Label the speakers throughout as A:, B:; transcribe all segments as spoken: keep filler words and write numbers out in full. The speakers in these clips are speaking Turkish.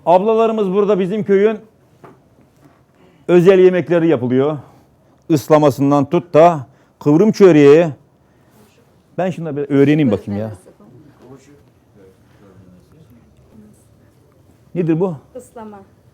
A: Ablalarımız burada bizim köyün özel yemekleri yapılıyor. Islamasından tut da kıvrım çöreği. Ben şunu bir öğreneyim bakayım ya. Nedir bu?
B: Islama.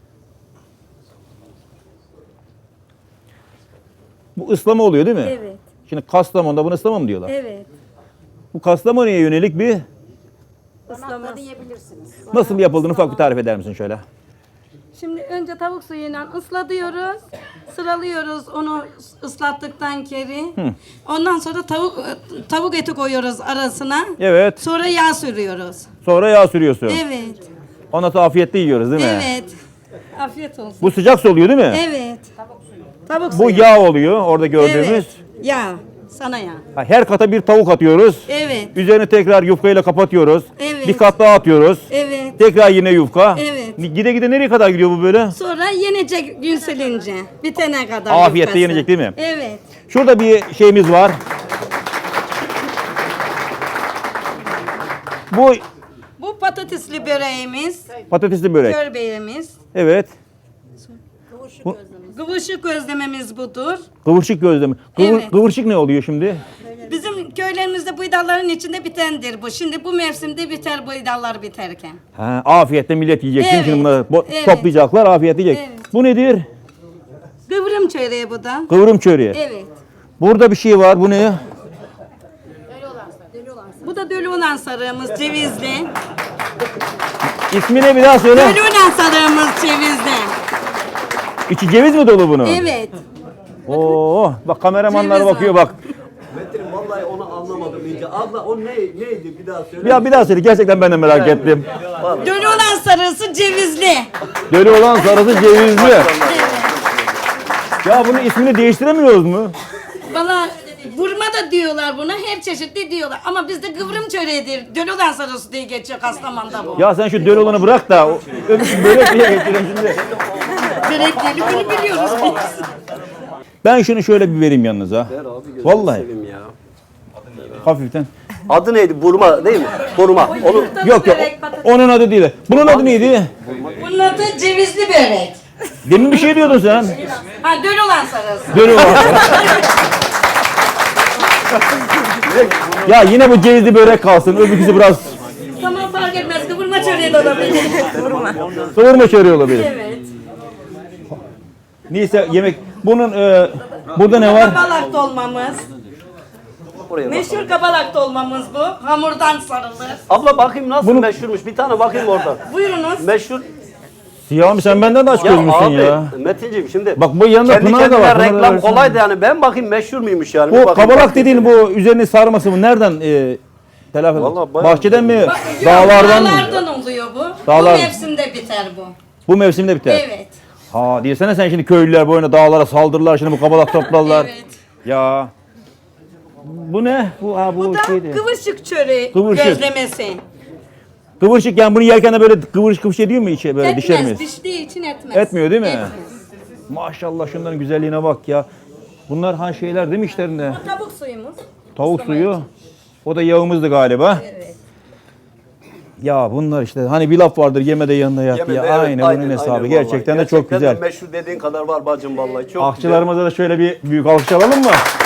A: Bu ıslama oluyor değil mi?
B: Evet.
A: Şimdi Kastamonu'da bunu ıslama mı diyorlar?
B: Evet.
A: Bu Kastamonu'ya yönelik bir
B: Islama.
C: diyebilirsiniz.
A: nasıl yapıldığını ufak bir tarif eder misin şöyle?
B: Şimdi önce tavuk suyuyla ıslatıyoruz. Sıralıyoruz onu ıslattıktan keri. Ondan sonra tavuk tavuk eti koyuyoruz arasına.
A: Evet.
B: Sonra yağ sürüyoruz.
A: Sonra yağ sürüyorsun.
B: Evet.
A: Ondan sonra afiyetle yiyoruz değil mi?
B: Evet. Afiyet olsun.
A: Bu sıcak su oluyor değil mi?
B: Evet. Tavuk
A: Bu
B: suyu.
A: yağ oluyor orada gördüğümüz.
B: Evet. Yağ. Sana yağ.
A: Ha, her kata bir tavuk atıyoruz.
B: Evet.
A: Üzerine tekrar yufkayla kapatıyoruz.
B: Evet.
A: Bir kat daha atıyoruz.
B: Evet.
A: Tekrar yine yufka.
B: Evet.
A: Gide gide nereye kadar gidiyor bu böyle?
B: Sonra yenecek gün silince. Bitene kadar.
A: Afiyetle
B: yufkası.
A: yenecek değil mi?
B: Evet.
A: Şurada bir şeyimiz var. Bu
B: Bu patatesli böreğimiz.
A: patatesli börek.
B: Körbeğimiz.
A: Evet.
B: Kıvırcık gözlememiz budur.
A: Kıvırcık gözleme. Kıvır,
B: Evet.
A: Kıvırcık ne oluyor şimdi?
B: Bizim köylerimizde buydalların içinde bitendir bu. Şimdi bu mevsimde biter buydallar biterken.
A: Ha, afiyetle millet yiyecek.
B: Evet.
A: Şimdi bunları bo-
B: Evet.
A: toplayacaklar, afiyet yiyecek.
B: Evet.
A: Bu nedir?
B: Kıvrım çöreği bu da.
A: Kıvrım çöreği.
B: Evet.
A: Burada bir şey var. Bu ne?
B: Bu da dölü olan sarığımız cevizli.
A: İsmini bir daha söyle.
B: Dölü olan sarığımız cevizli.
A: İçi ceviz mi dolu bunun?
B: Evet.
A: Oo, bak kameramanlar
B: Ceviz
A: bakıyor
B: var.
A: bak.
D: Metin vallahi onu anlamadım iyice. Abla o ne neydi bir daha söyle.
A: Ya bir daha söyle. Gerçekten ben de merak ettim.
B: Dölü olan sarısı cevizli.
A: Dölü olan sarısı cevizli.
B: Evet.
A: Ya bunun ismini değiştiremiyoruz mu?
B: Valla vurma da diyorlar buna, her çeşitli diyorlar. Ama bizde kıvrım çöreğidir. Dölü olan sarısı diye geçiyor Kastamonu'da bu.
A: Ya sen şu dölü olanı bırak da o- öbür börek diye getirelim şimdi.
B: Börekleri bunu biliyoruz biz.
A: Ben şunu şöyle bir vereyim yanınıza.
D: Ver abi gözünü
A: Vallahi.
D: seveyim ya.
A: Hafiften.
D: Adı neydi? Burma değil mi? Burma. Onu
A: Yok yok. Onun adı değil. Bunun adı neydi?
B: Bunun adı cevizli börek.
A: Demin bir şey diyordun sen.
B: Ha dölü olan sarısı.
A: Dölü olan. Ya yine bu cevizli börek kalsın. Öbürküsü biraz
B: Tamam fark etmez. Kıvırma çöreği de olabilir. Kıvırma.
A: kıvırma çöreği olabilir.
B: Evet.
A: Neyse yemek. Bunun e, burada ne var?
B: Kabalak dolmamız.
D: oraya bak.
B: Meşhur kabalak dolmamız bu. Hamurdan sarılır.
D: Abla bakayım nasıl
A: Bunu-
D: meşhurmuş. Bir tane bakayım orada.
B: Buyurunuz.
D: Meşhur.
A: Siyahım sen benden de aç
D: Ya
A: gözmüşsün
D: abi
A: ya.
D: Metinciğim şimdi.
A: Bak bu yanında
D: kendi
A: Pınar da
D: kendine
A: var. Pınar da
D: reklam
A: versin.
D: kolay da yani ben bakayım meşhur muymuş yani. Bir
A: Bu
D: bakayım.
A: kabalak dediğin bu üzerini sarması mı? Nereden e, telafi
D: Vallahi bayağı-
A: Bahçeden mi?
B: Yok,
A: Dağlardan mı?
B: Dağlardan oluyor bu.
A: Dağlar-
B: Bu mevsimde biter bu.
A: Bu mevsimde biter.
B: Evet.
A: Ha diyesene sen şimdi köylüler boyuna dağlara saldırırlar şimdi bu kabalak toplarlar.
B: Evet.
A: Ya. Bu ne? Bu ha bu,
B: Bu da
A: şeydi.
B: kıvırcık çöreği
A: Kıvırcık.
B: gözlemesi.
A: Kıvırcık yani bunu yerken de böyle kıvırcık kıvırcık ediyor mu içe böyle dişer
B: Etmez,
A: miyiz?
B: diştiği için etmez.
A: Etmiyor değil mi?
B: Etmez.
A: Maşallah şunların güzelliğine bak ya. Bunlar ha şeyler değil mi işlerinde?
B: Bu tavuk suyumuz.
A: Tavuk
B: Islama
A: suyu.
B: için.
A: O da yağımızdı galiba.
B: Evet.
A: Ya bunlar işte hani bir laf vardır yeme de yanında yat
D: Yemedi,
A: ya.
D: evet,
A: aynen, bunun hesabı.
D: vallahi.
A: Gerçekten de çok
D: Gerçekten
A: güzel.
D: de meşhur dediğin kadar var bacım vallahi. Çok güzel.
A: Akçılarımıza da şöyle bir büyük alkış alalım mı?